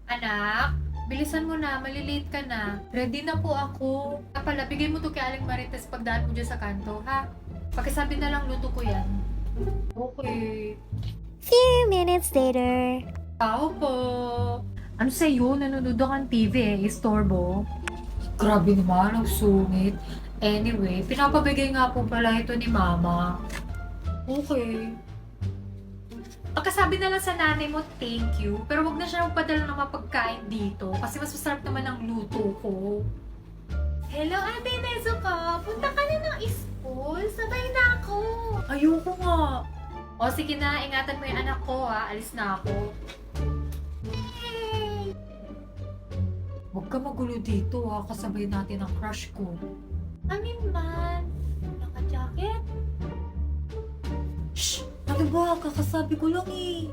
Anak, bilisan mo na, malilate ka na. Ready na po ako. Pala, bigay mo to kay Aling Marites pagdaan mo dyan sa kanto, ha? Pakisabi na lang luto ko yan. Okay. Few minutes later. Tao po. Ano sa'yo? Nanonood kang TV istorbo? Grabe naman, ang sungit. Anyway, pinapabigay nga po pala ito ni Mama. Okay. Pagkasabi na lang sa nanay mo, thank you. Pero wag na siya magpadala ng mapagkain dito. Kasi mas masarap naman ang luto ko. Hello, Ate Nezuko. Punta ka na ng school. Sabay na ako. Ayoko nga. O sige na, ingatan mo yung anak ko ha. Alis na ako. Yay! Huwag ka magulo dito ha. Kasabay natin ang crush ko. Amin man. Naka-jacket? Shh! Ano ba? Kakasabi ko lang eh.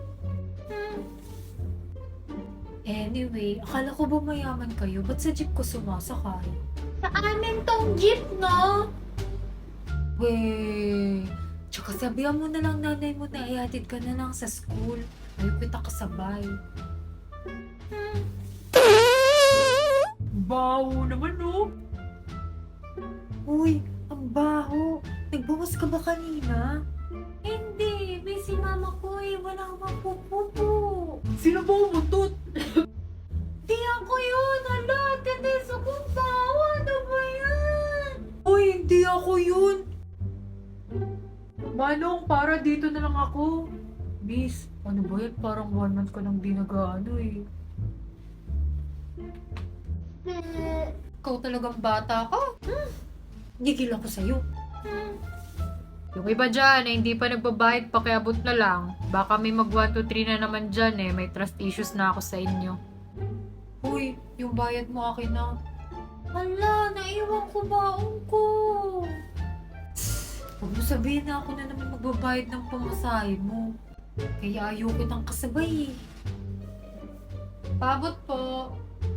Anyway, akala ko ba mayaman kayo? Ba't sa jeep ko sumasakay? Sa amin tong jeep, no? Weh, tsaka sabihan mo na lang nanay mo na ihatid ka na lang sa school. Ayaw kita kasabay. Baho naman, no? Uy, ang baho. Nagbawas ka ba kanina? Hindi, may si mama ko eh. Wala akong pupupo. Sino ba umutot? Di ako yun. Hala, Teresa, kung baho. Ano ba yan? Uy, hindi ako yun. Manong, para dito na lang ako. Miss, ano ba yan? Parang 1 month ka nang di nag-ano eh. Ikaw talagang bata ka. Gigil ako sa'yo. Yung iba dyan eh, hindi pa nagbabayad, pakiabot na lang. Baka may mag 1, 2, 3 na naman dyan eh. May trust issues na ako sa inyo. Uy, yung bayad mo akin na. Hala, naiwan ko baong ko. Huwag mo sabihin na ako na naman magbabayad ng pamasahe mo. Kaya ayaw kitang kasabay eh. Pabot po.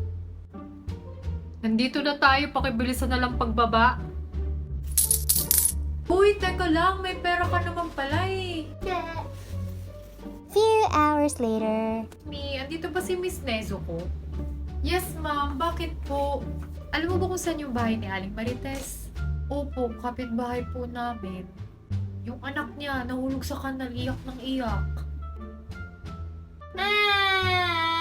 Nandito na tayo, pakibilisan na lang pagbaba. Uy, teka lang, may pera ka naman pala eh. Few hours later. Andito ba si Miss Nezuko? Yes, ma'am. Bakit po? Alam mo ba kung saan yung bahay ni Aling Marites? Opo, kapitbahay po namin. Yung anak niya, nahulog sa kanal, iyak ng iyak.